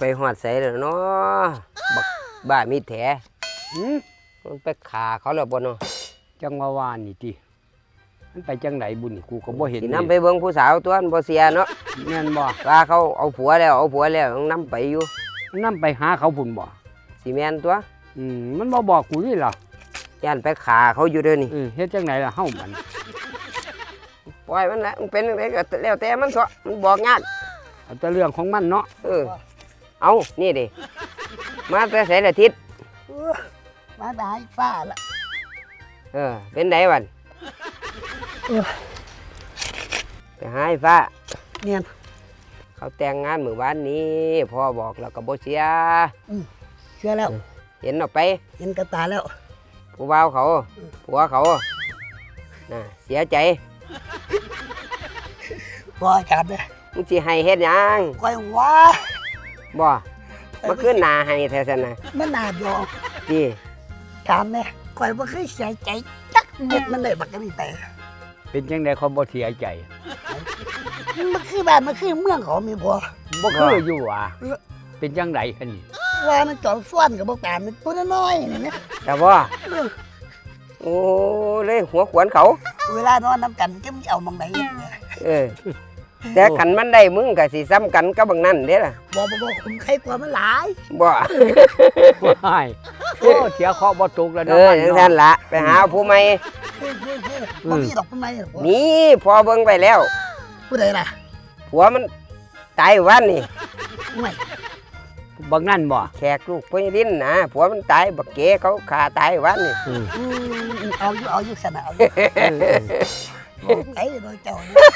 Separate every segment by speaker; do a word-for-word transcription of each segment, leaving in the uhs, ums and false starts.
Speaker 1: ไปหอดใส่แล้วเนาะบักบ้ามีแถหืมมันไปขาเขาแล้วบ่เนาะ
Speaker 2: จังว่าวานนี่ติมันไปจังไหนบุญกูก็บ่เห็น
Speaker 1: สินำไปเบิ่งผู้สาวตัวมันบ่เสียเนาะ
Speaker 2: แม่นบ่
Speaker 1: ว่าเขาเอาผัวแล้วเอาผัวแล้วต้องนำไปอยู่
Speaker 2: นำไปหาเขาพุ่นบ่
Speaker 1: สิแม่นตัว
Speaker 2: อืมมันบ่บอกกูนี่ล่ะ
Speaker 1: ย่านไปขาเขาอยู่เด้อนี่
Speaker 2: เออเฮ็ดจังไหนล่ะเฮามัน
Speaker 1: ปล่อยมันละมันเป็นจังไดก็แล้วแต่มันเถาะมันบอกยาก
Speaker 2: เอาแต่เรื่องของมันเนาะ
Speaker 1: เออเอานี่ดิมาแต่ไสละทิศ
Speaker 3: มาได้ฟ้าละ
Speaker 1: เออเป็นไดวันไปหาไอ้ฟ้า
Speaker 3: เนี่ย
Speaker 1: เขาแต่งงานมื้อวานนี้พ่อบอกแล้วก็บ่เสีย
Speaker 3: เชื่อแล้ว
Speaker 1: เห็นออกไป
Speaker 3: เห็นกระตาแล้ว
Speaker 1: ผู้บ่าวเขาผัวเขาน่ะเสียใจ
Speaker 3: บ่จับเลย
Speaker 1: มึงสิให้เฮ็ดหยัง
Speaker 3: ก้อยว่า
Speaker 1: บ่มาขึ้นหน้าให้แท้ซั่นน่ะ
Speaker 3: มันน่าดอก
Speaker 1: ติ
Speaker 3: ถามแม่ก้อยบ่เคยเสียใจจักเม็ดมันเลยบักนี่แต่
Speaker 2: เป็นจังได๋เขาบ่เสียใจ
Speaker 3: มันคือบ้านมันคือเมืองเขามีบ่
Speaker 2: บ่คืออยู่ว่ะเป็นจังได๋คั่นนี่
Speaker 3: ว่ามันจอมฟ้อนก็บ่ปานมันตัวน้อยนี่นะ
Speaker 1: แต่บ่โอ้เลยหัวขวนเขา
Speaker 3: เวลานอนนำกันจะมีเอามองไหน
Speaker 1: เออแต่กันมันได้มึงก็สิซ้ำกันกับบักนั้นเด้ล่ะ
Speaker 3: บ่บ่บ่ผมใครกว่ามันหลาย
Speaker 1: บ่
Speaker 2: ว้ายโอ้เสียเคราะห์บ่ตกแล้ว
Speaker 1: เนาะเออจังซั่นล่ะไปหาผู้ใหม่
Speaker 3: บ่มีดอกผู้ใหม่
Speaker 1: นี่พอเบิ่งไปแล้ว
Speaker 3: ผู้ใดล่ะ
Speaker 1: ผัวมันตายวันนี่
Speaker 3: ไม่
Speaker 2: บักนั่นบ่
Speaker 1: แขกลูกพ่อดินนะผัวมันตายบักเก๋เขาฆ่าตายวันนี่
Speaker 3: เอาอยู่เอาอยู่สนะเอาไอ้โดยเจ้า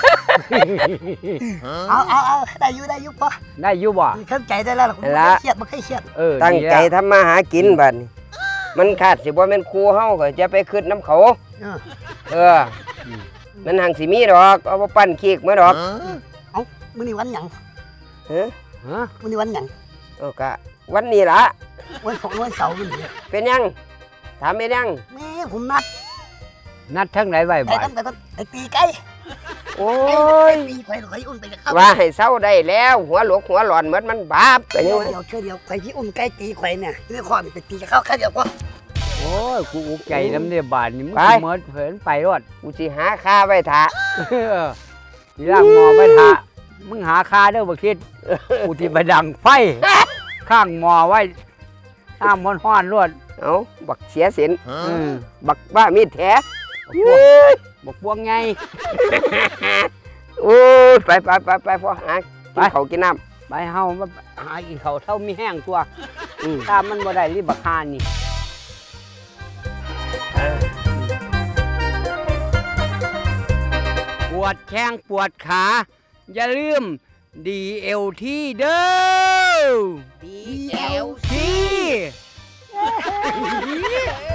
Speaker 3: เอาเอาเอาได้อยู่ได้อยู่ปะ
Speaker 2: ได้อยู่บ่
Speaker 3: เข้าใจได้แล้วเครียดมันเคยเครียด
Speaker 1: เออตั้งใจทำมาหากินบัดนี้มันขาดสิบ่แม่นครูเฮาก็จะไปขึ้นน้ำเขาเออมันหังสิมีดอกเอามาปั้นขี้มาดอก
Speaker 3: เอ้ามื้อนี้วันหยัง
Speaker 1: ฮะ
Speaker 2: ฮะ
Speaker 3: มื้อนี้วันหยัง
Speaker 1: เออก็วันนี้ล่ะ
Speaker 3: วันของวันเสาร์นี่
Speaker 1: เป็นยังถามเป็นยัง
Speaker 3: แม่ผมนัด
Speaker 2: นัดทั้งไหนไว้บ่
Speaker 3: ไอ้ตั้งแต่ต้นไอ้ตีไก่
Speaker 1: โอ้ย
Speaker 3: ตีไก่ไก่อุ่นไปจะเข้า
Speaker 1: ว่าให้เศร้าได้แล้วหัวหลวกหัวหลอนเหมือนมันบาป
Speaker 3: แต่เดี๋ยวเดี๋ยวช่วยเดี๋ยวไก่ที่อุ่นไก่ตีไก่เนี่ยนี่ข้อนี่ไปตีจะเข้าแค่เดียวก็
Speaker 2: โอ้ยกูอุกใจน้ำเนี่ยบาดนี่มึงเหมือนเผินไปรอด
Speaker 1: กูสิหาค่าไว้ท่า
Speaker 2: ทีล่างมอไว้ท่ามึงหาค่าเด้อบ่คิดกูที่ไปดังไฟข้างมอไว้ห้ามมันห้อนรวด
Speaker 1: เอ้าบักเสียสินบักบ้ามีดแท้
Speaker 2: บักพวงไง
Speaker 1: โอ้ยไปไปไปไปพ่อหาไปเขากินน้
Speaker 2: ำไปเฮามาหากินเขาเท่ามีแห้งตัวถ้ามันบ่ได้รีบบักฮานี่ปวดแข้งปวดขาอย่าลืม ดี แอล ที เด้อ
Speaker 3: ดี แอล
Speaker 2: ที